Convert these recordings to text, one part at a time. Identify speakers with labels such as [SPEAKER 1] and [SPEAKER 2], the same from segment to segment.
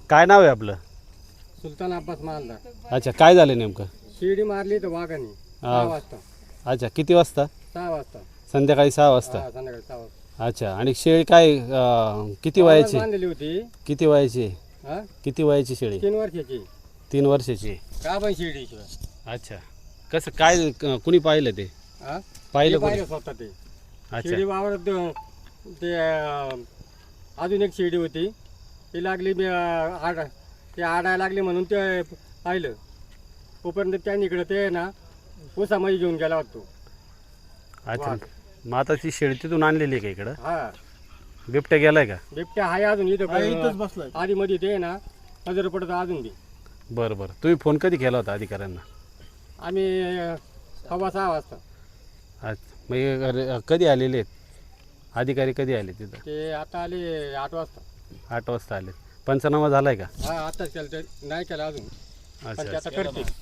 [SPEAKER 1] काय नाव आहे आपलं?
[SPEAKER 2] सुलतान अब्बास मालदार.
[SPEAKER 1] अच्छा, काय झालं नेमकं?
[SPEAKER 2] शिडी मारली तर वाघाने 6 वाजता.
[SPEAKER 1] अच्छा, किती वाजता?
[SPEAKER 2] 6 वाजता.
[SPEAKER 1] संध्याकाळी 6 वाजता.
[SPEAKER 2] संध्याकाळी 6 वाजता.
[SPEAKER 1] अच्छा, आणि शेळी काय किती वयाची?
[SPEAKER 2] बांधलेली होती.
[SPEAKER 1] किती वयाची?
[SPEAKER 2] हा,
[SPEAKER 1] किती वयाची शेळी?
[SPEAKER 2] 3 वर्षाची.
[SPEAKER 1] 3 वर्षाची.
[SPEAKER 2] का पण शिडी.
[SPEAKER 1] अच्छा, कसं काय कुणी पाहिलं ते?
[SPEAKER 2] हा,
[SPEAKER 1] पाहिलं
[SPEAKER 2] ते
[SPEAKER 1] कोणी?
[SPEAKER 2] पाहिलं स्वतः ते.
[SPEAKER 1] अच्छा.
[SPEAKER 2] शिडी वावरत ते अजून एक शिडी होती ती लागली. ते आडायला लागली म्हणून ते पाहिलं. तोपर्यंत त्यांनी इकडं ते ना ऊसामध्ये घेऊन गेला होतो.
[SPEAKER 1] अच्छा, मग आता ती शेळी तिथून आणलेली आहे का इकडं?
[SPEAKER 2] हा,
[SPEAKER 1] बिबट्या गेलाय का?
[SPEAKER 2] बिबट्या आहे अजून
[SPEAKER 3] इथंच बसलाय.
[SPEAKER 2] आधी मध्ये ते ना नजर पडत अजून बी.
[SPEAKER 1] बरं बरं, तुम्ही फोन कधी केला होता अधिकाऱ्यांना?
[SPEAKER 2] आम्ही 6:15 वाजता.
[SPEAKER 1] अच्छा, मग हे कधी आलेले आहेत अधिकारी? कधी आले तिथं?
[SPEAKER 2] ते आता आले 8 वाजता.
[SPEAKER 1] 8 वाजता आले. पंचनामा झालाय का?
[SPEAKER 2] हा, आताच केलं ते नाही केलं अजून. पण ते
[SPEAKER 1] अच्छा,
[SPEAKER 2] आता करते.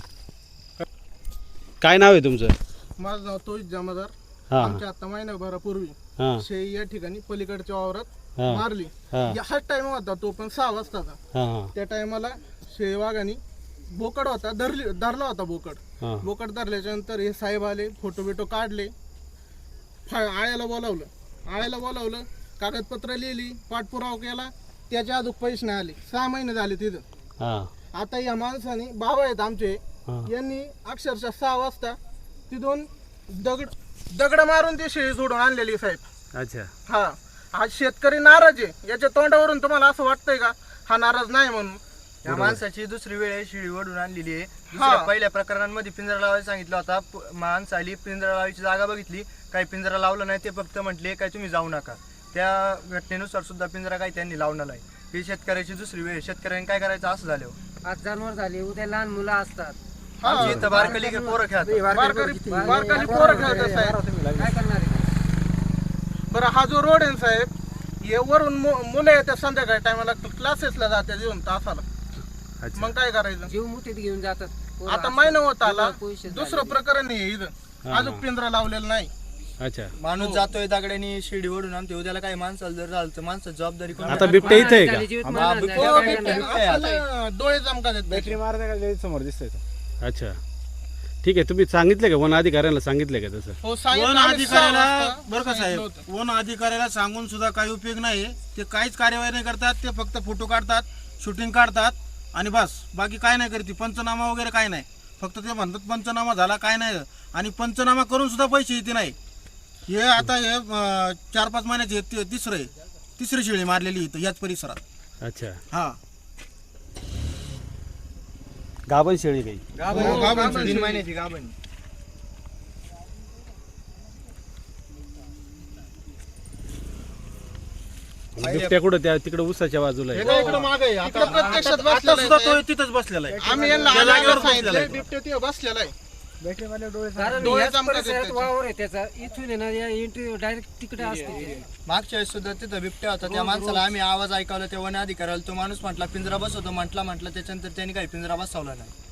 [SPEAKER 1] काय नाव आहे तुमचं?
[SPEAKER 3] माझं नाव तोच जमादार.
[SPEAKER 1] हां
[SPEAKER 3] आमच्या आता महिनाभरापूर्वी
[SPEAKER 1] हां
[SPEAKER 3] शेळी या ठिकाणी पलीकडच्या वावरात
[SPEAKER 1] हां
[SPEAKER 3] मारली.
[SPEAKER 1] हां
[SPEAKER 3] हाच टाइम होता, तो पण 6 वाजताचा.
[SPEAKER 1] हां
[SPEAKER 3] त्या टायमाला शेळी वाघाने बोकड होता, धरला होता बोकड.
[SPEAKER 1] हां
[SPEAKER 3] बोकड धरल्याच्या नंतर हे साहेब आले, फोटो बिटो काढले, आळ्याला बोलावलं, कागदपत्र लिहिली, पाठपुरावा केला. त्याच्या अजून पैसे नाही आले. 6 महिने झाले तिथं.
[SPEAKER 1] हां
[SPEAKER 3] आता या माणसाने, बाबा आहेत आमचे,
[SPEAKER 1] हां.
[SPEAKER 3] यांनी अक्षरशः 6 वाजता तिथून दगड मारून ती शेळी सोडून आणलेली साहेब.
[SPEAKER 1] अच्छा.
[SPEAKER 3] हा, आज शेतकरी नाराज आहे. याच्या तोंडावरून तुम्हाला असं वाटतंय का हा नाराज नाही म्हणून?
[SPEAKER 4] या माणसाची दुसरी वेळ आहे शिडी ओढून आणलेली आहे.
[SPEAKER 3] हा.
[SPEAKER 4] दुसऱ्या पहिल्या प्रकरणांमध्ये पिंजरा लावायला सांगितलं होता. माणसं आली, पिंजरा लावायची जागा बघितली, काही पिंजरा लावला नाही. ते फक्त म्हटले काय तुम्ही जाऊ नका. त्या घटनेनुसार सुद्धा पिंजरा काही त्यांनी लावला नाही. ही शेतकऱ्याची दुसरी वेळ. शेतकऱ्यांनी काय करायचं असं झालं.
[SPEAKER 5] आज जनावर झाले, उद्या लहान मुलं असतात.
[SPEAKER 3] हा.
[SPEAKER 4] आमची इथं बारकली पोरं खेळतात.
[SPEAKER 3] बारकाली पोरं खेळतात साहेब.
[SPEAKER 5] काय करणार आहे?
[SPEAKER 3] बरं, हा जो रोड आहे ना साहेब, हे वरून मुलं येतात संध्याकाळी टायमाला क्लासेसला जातात येऊन तासाला.
[SPEAKER 1] अच्छा.
[SPEAKER 3] मग काय करायचं?
[SPEAKER 5] जीव मुठीत घेऊन जातात पोरं
[SPEAKER 3] आता
[SPEAKER 5] असतात.
[SPEAKER 3] महिना होत आला,
[SPEAKER 5] पैसे
[SPEAKER 3] दुसरं
[SPEAKER 5] झाले.
[SPEAKER 3] प्रकरण आहे इथं.
[SPEAKER 1] हा,
[SPEAKER 3] अजून
[SPEAKER 1] हा.
[SPEAKER 3] पिंजरा लावलेला नाही.
[SPEAKER 1] अच्छा,
[SPEAKER 4] माणूस जातोय दगड्यानी शिडी ओढून आणतोय. उद्याला काही माणसाला जर झालं तर माणसाची जबाबदारी कोण?
[SPEAKER 1] आता बिबट्या इथे आहे
[SPEAKER 5] झाली,
[SPEAKER 1] का?
[SPEAKER 5] जीवित
[SPEAKER 4] हा,
[SPEAKER 5] मरण
[SPEAKER 4] बिबट्या-
[SPEAKER 5] झालं.
[SPEAKER 3] हो,
[SPEAKER 5] काय
[SPEAKER 3] बिबट्या
[SPEAKER 5] करणार?
[SPEAKER 3] आपल्याला डोळे चमकात आहेत.
[SPEAKER 2] बॅटरी मारते समोर दिसतंय.
[SPEAKER 1] अच्छा, ठीक आहे. तुम्ही सांगितले का वन अधिकाऱ्यांना? सांगितले का तसं?
[SPEAKER 3] हो,
[SPEAKER 6] वन
[SPEAKER 3] सांगितलं आम्ही 6
[SPEAKER 6] अधिकाऱ्याला
[SPEAKER 3] वाजता
[SPEAKER 6] बरं का
[SPEAKER 3] सांगितलं
[SPEAKER 6] साहेब,
[SPEAKER 3] होतं.
[SPEAKER 6] वन अधिकाऱ्याला सांगून सुद्धा काही उपयोग नाही. ते काहीच कार्यवाही नाही करतात. ते फक्त फोटो काढतात, शूटिंग काढतात आणि बस, बाकी काय नाही करते. पंचनामा वगैरे काय नाही. फक्त ते म्हणतात पंचनामा झाला, काय नाही. आणि पंचनामा करून सुद्धा पैसे येते नाही. हे आता हे 4-5 महिन्याचे तिसरी शेळी मारलेली इथं याच परिसरात.
[SPEAKER 1] अच्छा,
[SPEAKER 6] हा,
[SPEAKER 1] गाभण शेळी काही?
[SPEAKER 3] हो, गाभण
[SPEAKER 4] 3
[SPEAKER 3] शेळी.
[SPEAKER 4] महिन्याची गाभण.
[SPEAKER 1] बिबट्या कुठं? त्या तिकडे उसाच्या बाजूला
[SPEAKER 3] हे
[SPEAKER 1] आहे.
[SPEAKER 3] काय इकडं मागं आहे. इकडं प्रत्यक्षात
[SPEAKER 6] आता
[SPEAKER 3] बसलेला
[SPEAKER 6] सुद्धा
[SPEAKER 3] आहे
[SPEAKER 6] तो
[SPEAKER 3] साहेब.
[SPEAKER 6] तिथंच बसलेला आहे.
[SPEAKER 3] आम्ही यांना
[SPEAKER 6] त्या जागेवर
[SPEAKER 3] आल्यावर
[SPEAKER 6] बसलेला
[SPEAKER 3] सांगितलं
[SPEAKER 6] आहे.
[SPEAKER 3] बिबट्या तिथं बसलेला आहे.
[SPEAKER 5] कारण
[SPEAKER 3] डोळे
[SPEAKER 5] याच
[SPEAKER 3] चमकत
[SPEAKER 5] परिसरात
[SPEAKER 3] आहेत
[SPEAKER 5] वावर आहे त्याचा. इथून आहे ना, या एंट्री डायरेक्ट तिकडे असते.
[SPEAKER 4] मागच्या वेळेस सुद्धा तिथं बिबट्या होता. त्या माणसाला आम्ही आवाज ऐकवला, त्या वन अधिकाऱ्याला तो माणूस म्हटला पिंजरा बसवतो, म्हटला त्याच्यानंतर त्यांनी काही पिंजरा बसवला नाही.